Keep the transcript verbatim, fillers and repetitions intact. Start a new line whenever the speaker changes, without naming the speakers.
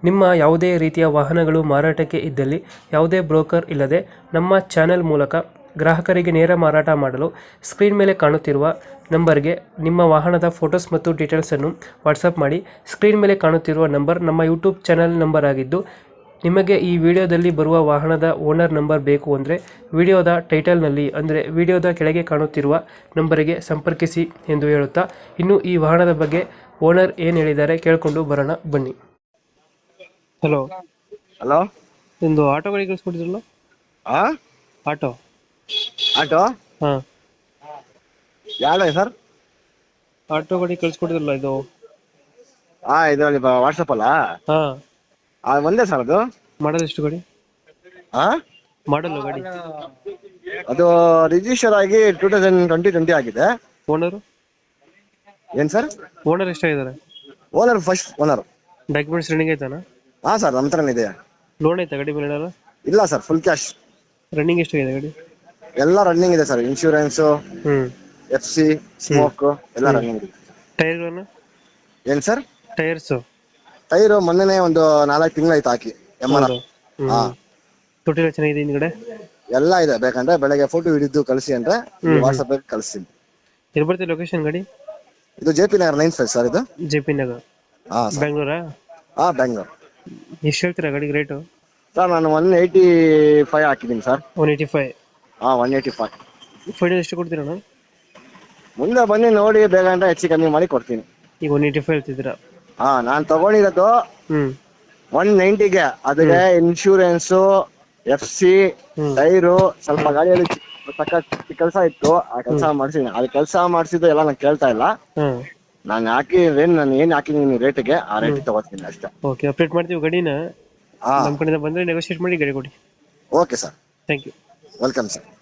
ನಿಮ್ಮ ಯಾವುದೇ ರೀತಿಯ ವಾಹನಗಳು ಮಾರಾಟಕ್ಕೆ ಇದ್ದಲ್ಲಿ ಯಾವುದೇ ಬ್ರೋಕರ್ ಇಲ್ಲದೆ ನಮ್ಮ ಚಾನೆಲ್ ಮೂಲಕ ಗ್ರಾಹಕರಿಗೆ ನೇರ ಮಾರಾಟ ಮಾಡಲು ಸ್ಕ್ರೀನ್ ಮೇಲೆ ಕಾಣುತ್ತಿರುವ ನಂಬರ್ಗೆ ನಿಮ್ಮ ವಾಹನದ ಫೋಟೋಸ್ ಮತ್ತು ಡೀಟೇಲ್ಸನ್ನು ವಾಟ್ಸಪ್ ಮಾಡಿ. ಸ್ಕ್ರೀನ್ ಮೇಲೆ ಕಾಣುತ್ತಿರುವ ನಂಬರ್ ನಮ್ಮ ಯೂಟ್ಯೂಬ್ ಚಾನೆಲ್ ನಂಬರ್ ಆಗಿದ್ದು, ನಿಮಗೆ ಈ ವಿಡಿಯೋದಲ್ಲಿ ಬರುವ ವಾಹನದ ಓನರ್ ನಂಬರ್ ಬೇಕು ಅಂದರೆ ವಿಡಿಯೋದ ಟೈಟಲ್ನಲ್ಲಿ ಅಂದರೆ ವಿಡಿಯೋದ ಕೆಳಗೆ ಕಾಣುತ್ತಿರುವ ನಂಬರಿಗೆ ಸಂಪರ್ಕಿಸಿ ಎಂದು ಹೇಳುತ್ತಾ, ಇನ್ನು ಈ ವಾಹನದ ಬಗ್ಗೆ ಓನರ್ ಏನು ಹೇಳಿದ್ದಾರೆ ಕೇಳಿಕೊಂಡು ಬರೋಣ ಬನ್ನಿ. ಹಲೋ
ಹಲೋ,
ನಿಮ್ಮದು ಆಟೋ ಗಾಡಿ ಕಳಿಸ್ಕೊಟ್ಟಿದ್ರಲ್ಲ?
ಹಾ
ಆಟೋ
ಆಟೋ
ಹಾಂ
ಯಾವ್ದು ಸರ್?
ಆಟೋ ಗಾಡಿ ಕಳಿಸ್ಕೊಟ್ಟಿದ್ರಲ್ಲ ಇದು?
ಹಾ, ಇದರಲ್ಲಿ ವಾಟ್ಸಪ್ ಅಲ್ಲ?
ಹಾಂ,
ಅದು ಒಂದೇ ಸರ್. ಅದು
ಮಾಡಲ್ ಎಷ್ಟು ಗಾಡಿ?
ಹಾ
ಮಾಡಲ್ಲ ಗಾಡಿ?
ಅದು ರಿಜಿಸ್ಟರ್ ಆಗಿ ಟೂ ತೌಸಂಡ್ ಟ್ವೆಂಟಿ ಟ್ವೆಂಟಿ ಆಗಿದೆ.
ಓನರು
ಏನ್ ಸರ್?
ಓನರ್ ಎಷ್ಟಾಗಿದ್ದಾರೆ?
Owner first owner.
Documents running ಆಯ್ತಾನ?
ಹಾ ಸರ್, ನಮ್ಮ ಹತ್ರನೇ ಇದೆ.
ಲೋನ್ ಆಯ್ತಾ ಗಾಡಿ ಮೇಲೆ? ಏನಾರ
ಇಲ್ಲ ಸರ್, ಫುಲ್ ಕ್ಯಾಶ್.
ರನ್ನಿಂಗ್ ಎಷ್ಟಾಗಿದೆ ಗಾಡಿ?
ಎಲ್ಲ ರನ್ನಿಂಗ್ ಇದೆ ಸರ್. ಇನ್ಶೂರೆನ್ಸ್,
ಹ್ಞೂ
ಎಫ್ ಸಿ, ಸ್ಮೋಕ್ ಎಲ್ಲ ರನ್ನಿಂಗ್ ಇದೆ.
ಟೈರ್ಗಳನ್ನು?
ಏನ್ ಸರ್?
ಟೈರ್ಸು
ಟೈರು ಮೊನ್ನೆನೆ ಒಂದು ನಾಲ್ಕು ತಿಂಗಳು ಆಯ್ತು ಹಾಕಿ. ಎಮ್ ಆರ್ ಹಾ,
ತೊಟ್ಟಿಲ್ಲ ಚೆನ್ನಾಗಿದೆ ಹಿಂದ್ಗಡೆ?
ಎಲ್ಲ ಇದೆ. ಬೇಕಂದ್ರೆ ಬೆಳಗ್ಗೆ ಫೋಟೋ ಹಿಡಿದು ಕಳಿಸಿ ಅಂದ್ರೆ ವಾಟ್ಸಪ್ ಕಳಿಸ್ತೀನಿ.
ಎಲ್ಲಿ ಬರ್ತೀವಿ ಲೊಕೇಶನ್ ಗಾಡಿ?
ಇದು J P Nagar nine five sir. ಇದು
ಜೆ ಪಿ ನಗರ್,
ಹಾ ಸರ್.
ಬೆಂಗಳೂರಾ?
ಹಾ, ಬೆಂಗಳೂರು.
ಎಷ್ಟು ಹೇಳ್ತೀರಾ ಗಾಡಿಗೆ ರೇಟು?
ಸರ್ ನಾನು ಒನ್ ಏಯ್ಟಿ ಫೈವ್ ಹಾಕಿದ್ದೀನಿ ಸರ್.
One eighty five?
ಹಾ, ಒನ್ ಏಯ್ಟಿ ಫೈವ್.
ಫೈನಲ್ ಎಷ್ಟು ಕೊಡ್ತೀರಣ್ಣ?
ಮುಂದೆ ಬನ್ನಿ ನೋಡಿ, ಬೇಗ ಅಂದ್ರೆ ಹೆಚ್ಚು ಕಮ್ಮಿ ಮಾಡಿ ಕೊಡ್ತೀನಿ.
ಈಗ ಒನ್ ಏಯ್ಟಿ ಫೈವ್ ಹೇಳ್ತಿದ್ದೀರಾ?
ಹಾ, ನಾನು ತಗೊಂಡಿರೋದು
ಹ್ಞೂ
ಒನ್ ನೈಂಟಿಗೆ. ಅದಕ್ಕೆ ಇನ್ಶೂರೆನ್ಸು, ಎಫ್ ಸಿ, ಟೈರು, ಸ್ವಲ್ಪ ಗಾಡಿಯಲ್ಲಿ ಸಕ್ಕ ಕೆಲಸ ಇತ್ತು. ಆ ಕೆಲಸ ಮಾಡಿಸಿದ್ದೀನಿ. ಅದು ಕೆಲಸ ಮಾಡಿಸಿದ್ದು ಎಲ್ಲ ನಾನು ಕೇಳ್ತಾ ಇಲ್ಲ.
ಹಾಂ,
ನಾನು ಹಾಕಿ ಏನ್ ನಾನು ಏನ್ ಹಾಕಿದ್ದೀನಿ ರೇಟ್ಗೆ, ಆ ರೇಟ್ ತಗೋತೀನಿ ಅಷ್ಟೇ.
ಓಕೆ, ಅಪ್ಡೇಟ್ ಮಾಡ್ತೀವಿ ಗಾಡಿನ.
ಹಾ,
ನಮ್ಮ ಕಡೆಯಿಂದ ಬಂದರೆ ನೆಗೋಷಿಯೇಟ್ ಮಾಡಿ ಗಾಡಿ ಕೊಡಿ.
Okay sir.
Thank you.
Welcome sir.